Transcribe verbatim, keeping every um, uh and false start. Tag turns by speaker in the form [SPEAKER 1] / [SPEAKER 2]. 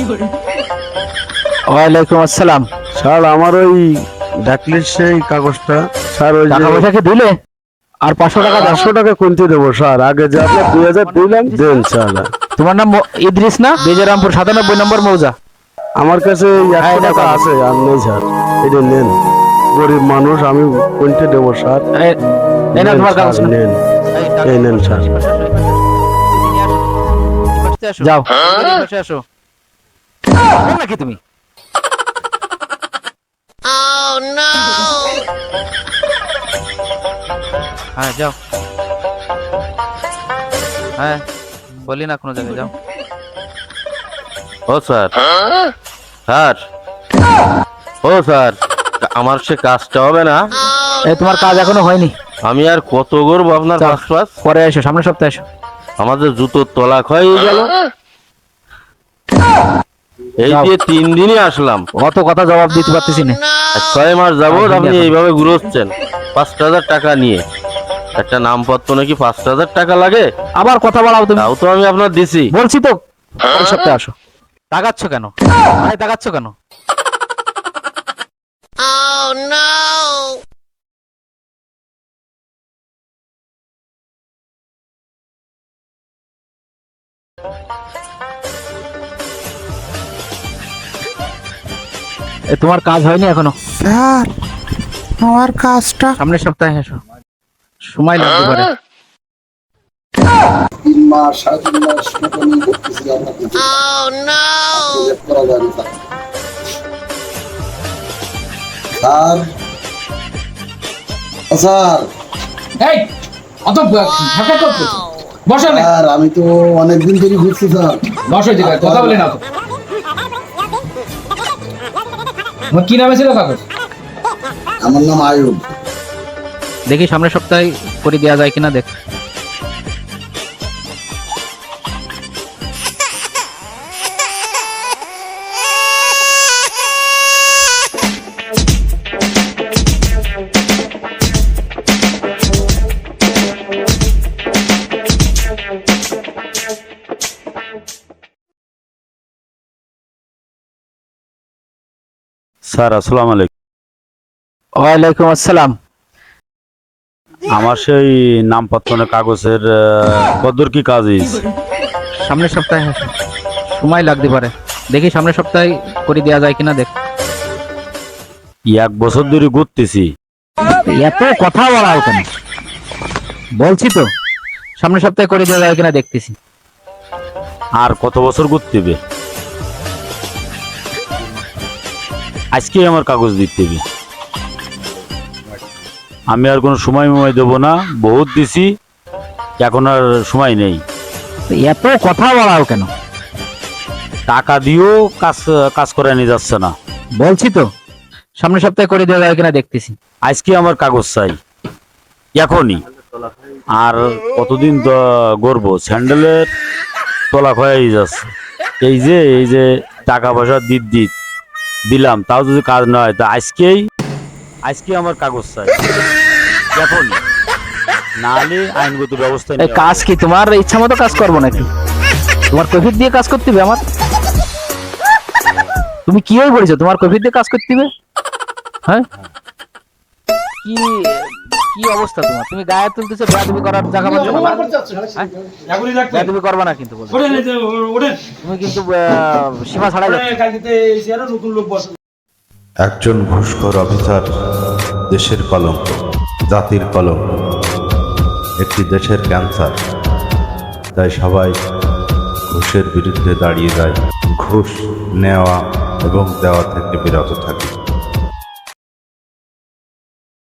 [SPEAKER 1] ওয়ালাইকুম আসসালাম।
[SPEAKER 2] স্যার আমার ওই ডাকলির সেই কাগজটা স্যার, ওই
[SPEAKER 1] টাকা পয়সা কি দিলে? আর পাঁচশো টাকা দাও।
[SPEAKER 2] পাঁচশো টাকা কোনটি দেবো স্যার? আগে যে আপনার দুই হাজার দিলাম দেন স্যার।
[SPEAKER 1] তোমার নাম মো- ইদ্রিস না? বেজরামপুর সাতানব্বই নম্বর মৌজা।
[SPEAKER 2] আমার কাছে এই
[SPEAKER 1] হ্যাঁ,
[SPEAKER 2] একশো
[SPEAKER 1] এটা
[SPEAKER 2] টাকা
[SPEAKER 1] পাবো।
[SPEAKER 2] আছে, আর নেই স্যার। এটা নেন, গরিব মানুষ, আমি কোনটি দেবো স্যার?
[SPEAKER 1] এই এই নাও
[SPEAKER 2] নেন
[SPEAKER 1] তোমার
[SPEAKER 2] স্যার,
[SPEAKER 1] কাগজ।
[SPEAKER 2] নেন। এই নেন স্যার।
[SPEAKER 1] যাও বসে আসো। বল নাকি তুমি? হ্যাঁ যাও। হ্যাঁ বলি না কোনো জায়গায় যাও।
[SPEAKER 3] ও স্যার, স্যার, ও স্যার, আমার সে কাজটা হবে না।
[SPEAKER 1] এই তোমার কাজ এখনো হয়নি।
[SPEAKER 3] আমি আর কত করবো আপনার
[SPEAKER 1] যাও,
[SPEAKER 3] পাঁচ পাঁচ?
[SPEAKER 1] পরে এসো, সামনের সপ্তাহে এসো।
[SPEAKER 3] আমাদের জুতোর তলা ক্ষয় হয়ে গেল। এই
[SPEAKER 1] যাও।
[SPEAKER 3] যে তিন দিনই আসলাম,
[SPEAKER 1] অত কথা জবাব দিতে পারতেছি না।
[SPEAKER 3] আর ছয় মাস যাবত
[SPEAKER 1] আর
[SPEAKER 3] আপনি
[SPEAKER 1] দিন
[SPEAKER 3] এইভাবে ঘুরোচ্ছেন পাঁচ হাজার টাকা নিয়ে। একটা নামপত্র নাকি পাঁচ হাজার টাকা লাগে,
[SPEAKER 1] আবার কথা বলাও তুমি।
[SPEAKER 3] তাও তো আমি আপনার দিছি।
[SPEAKER 1] বলছি তো পরের সপ্তাহে আসো। তাকাচ্ছ কেন? ভাই তাকাচ্ছ কেন? এ তোমার কাজ হয়নি এখনো।
[SPEAKER 4] স্যার আমার কাজটা
[SPEAKER 1] সামনের সপ্তাহে এসো, সময় লাগতে পারে।
[SPEAKER 5] তিন মাস সাড়ে তিন মাস মতো নিয়ে করতেছি আমরা কিছু প্রজেক্ট করা যায় না স্যার। স্যার
[SPEAKER 6] এই অত ঢাকা করছো বসো না,
[SPEAKER 5] স্যার আমি তো অনেকদিন ধরে ঘুরছি স্যার।
[SPEAKER 6] বসো জায়গায় কথা বলে না তো। তোমার কি নামে ছিল কাগজ?
[SPEAKER 5] আমার নাম আয়ুব।
[SPEAKER 1] দেখি সামনের সপ্তাহে করে দেওয়া যায় কিনা দেখ।
[SPEAKER 2] স্যার আসসালামু আলাইকুম।
[SPEAKER 1] ওয়ালাইকুম আসসালাম।
[SPEAKER 2] আমার সেই নামপত্র কাগজের কদ্দুর কি কাজ হয়েছে?
[SPEAKER 1] সামনের সপ্তাহে এসো, সময় লাগতে পারে। দেখি সামনের সপ্তাহে করে দেওয়া যায় কিনা দেখ।
[SPEAKER 2] এক বছর ধরে ঘুরতেছি।
[SPEAKER 1] এত কথা বলা কেন? বলছি তো সামনের সপ্তাহে করে দেওয়া যায় কিনা দেখতেছি।
[SPEAKER 2] আর কত বছর ঘুরতে হবে? আজকে আমার কাগজ দিতে হবে। আমি আর কোনো সময় ময় দেবো না, বহুত দিছি, এখন আর সময় নেই।
[SPEAKER 1] এত কথা বলাও কেন?
[SPEAKER 2] টাকা দিয়েও কাজ কাজ করে নিয়ে যাচ্ছে না।
[SPEAKER 1] বলছি তো সামনের সপ্তাহে করে দেওয়া যায় কিনা দেখতেছি।
[SPEAKER 2] আজকে আমার কাগজ চাই এখনই। আর কতদিন তো গড়বো? স্যান্ডেলের তলা ক্ষয়ে যাচ্ছে। এই যে এই যে টাকা পয়সা দিত দিত দিলাম, তাও যদি কাজ না হয়, তা আজকেই আজকে আমার কাগজ চাই এখনই, নাহলে আইনগত ব্যবস্থা
[SPEAKER 1] এই
[SPEAKER 2] নেওয়া
[SPEAKER 1] কাজ কি তোমার ইচ্ছা মতো কাজ করবো নাকি? তোমার কৈফিয়ত দিয়ে কাজ করতে হবে আমার? তুমি কি হয়ে পড়েছো? তোমার কৈফিয়ত দিয়ে কাজ করতে হবে? হ্যাঁ কি কি অবস্থা তোমার? তুমি গায়ে তুলতেছো, বেয়াদবি করার জায়গা পাচ্ছ না? বেয়াদবি করবা না কিন্তু বলো। তুমি কিন্তু আহ, সীমা ছাড়াই যাচ্ছ।
[SPEAKER 7] একজন ঘুষখোর অফিসার দেশের কলঙ্ক, জাতির কলঙ্ক, একটি দেশের ক্যান্সার। তাই সবাই ঘুষের বিরুদ্ধে দাঁড়িয়ে যায়, ঘুষ নেওয়া এবং দেওয়া থেকে বিরত থাকে।